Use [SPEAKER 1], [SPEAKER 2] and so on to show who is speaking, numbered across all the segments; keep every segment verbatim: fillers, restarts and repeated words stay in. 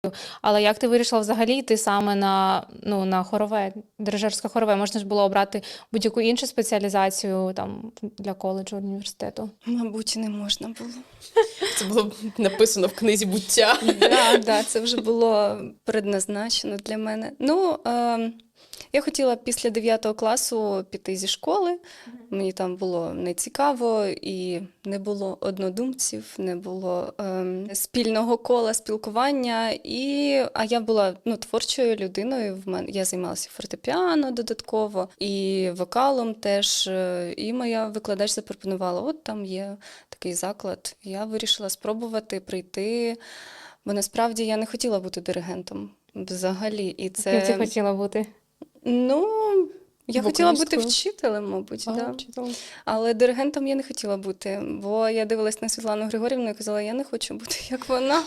[SPEAKER 1] Але як ти вирішила взагалі йти саме на, ну, на хорове, дирижерське хорове? Можна ж було обрати будь-яку іншу спеціалізацію там, для коледжу, університету?
[SPEAKER 2] Мабуть, не можна було.
[SPEAKER 3] Це було написано в книзі буття.
[SPEAKER 2] Да, да, це вже було предназначено для мене. Ну, е, я хотіла після дев'ятого класу піти зі школи. Мені там було нецікаво і не було однодумців, не було е, спільного кола спілкування. І, а я була ну, творчою людиною. В мене я займалася фортепіано додатково і вокалом теж. І моя викладач запропонувала: от там є такий заклад. Я вирішила спробувати прийти, бо насправді я не хотіла бути диригентом взагалі. І це...
[SPEAKER 1] Ким ти хотіла бути?
[SPEAKER 2] Ну, я хотіла бути
[SPEAKER 3] Вокалісткою?
[SPEAKER 2] вчителем, мабуть,
[SPEAKER 3] А,
[SPEAKER 2] да.
[SPEAKER 3] вчителем.
[SPEAKER 2] Але диригентом я не хотіла бути, бо я дивилась на Світлану Григорівну і казала: я не хочу бути як вона.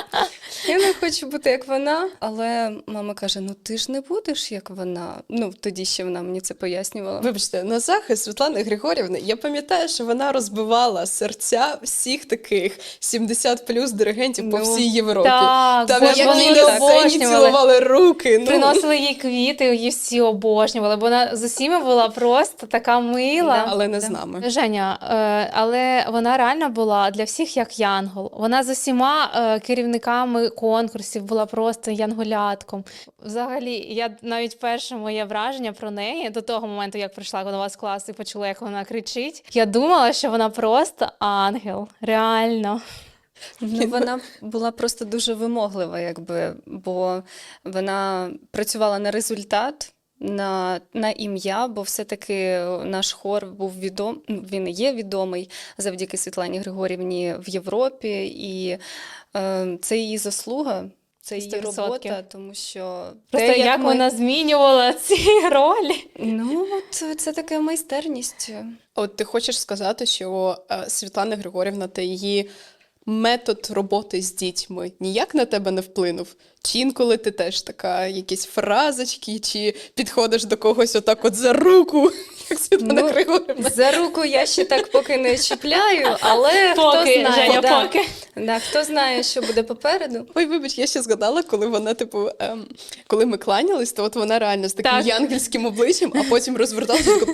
[SPEAKER 2] Я не хочу бути як вона. Але мама каже: ну ти ж не будеш як вона. Ну, тоді ще вона мені це пояснювала.
[SPEAKER 3] Вибачте, на захист Світлани Григорівни, я пам'ятаю, що вона розбивала серця всіх таких сімдесят плюс диригентів по
[SPEAKER 2] Ну,
[SPEAKER 3] всій Європі.
[SPEAKER 1] Так,
[SPEAKER 3] Там
[SPEAKER 1] бо
[SPEAKER 3] як
[SPEAKER 1] ж вони
[SPEAKER 3] її
[SPEAKER 1] її
[SPEAKER 3] на сцені
[SPEAKER 1] обожнювали.
[SPEAKER 3] цілували руки. Ну.
[SPEAKER 1] Приносили їй квіти, її всі обожнювали, бо вона з усіма була просто така мила.
[SPEAKER 3] Але не з нами.
[SPEAKER 1] Женя, е, але вона реально була для всіх як янгол. Вона з усіма е, керівниками конкурсів була просто янголятком. Взагалі, я навіть перше моє враження про неї до того моменту, як прийшла до вас в клас і почула, як вона кричить, я думала, що вона просто ангел. Реально.
[SPEAKER 2] Ну, вона була просто дуже вимоглива, якби, бо вона працювала на результат, на, на ім'я, бо все-таки наш хор був відомий, він і є відомий завдяки Світлані Григорівні в Європі, і е, це її заслуга, це її
[SPEAKER 1] сто відсотків.
[SPEAKER 2] робота, тому що
[SPEAKER 1] Просто
[SPEAKER 2] те,
[SPEAKER 1] як,
[SPEAKER 2] ми-
[SPEAKER 1] вона змінювала ці ролі.
[SPEAKER 2] Ну, от це така майстерність.
[SPEAKER 3] От ти хочеш сказати, що е, Світлана Григорівна та її метод роботи з дітьми ніяк на тебе не вплинув? Чи інколи ти теж така, якісь фразочки, чи підходиш до когось отак от за руку, як Світлана
[SPEAKER 2] Ну,
[SPEAKER 3] Григорівна?
[SPEAKER 2] За руку я ще так поки не чіпляю, але хто
[SPEAKER 1] Поки,
[SPEAKER 2] знає,
[SPEAKER 1] Женя,
[SPEAKER 2] да,
[SPEAKER 1] поки.
[SPEAKER 2] да, хто знає, що буде попереду.
[SPEAKER 3] Ой, вибач, я ще згадала, коли вона, типу, ем, коли ми кланялись, то от вона реально з таким
[SPEAKER 1] Так.
[SPEAKER 3] янгельським обличчям, а потім розверталася. і така,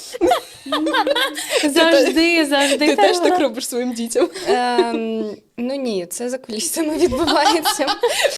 [SPEAKER 1] Завжди, завжди.
[SPEAKER 3] Ти теж
[SPEAKER 1] була.
[SPEAKER 3] так робиш своїм дітям?
[SPEAKER 2] Ем, ну ні, це за кулісами відбувається.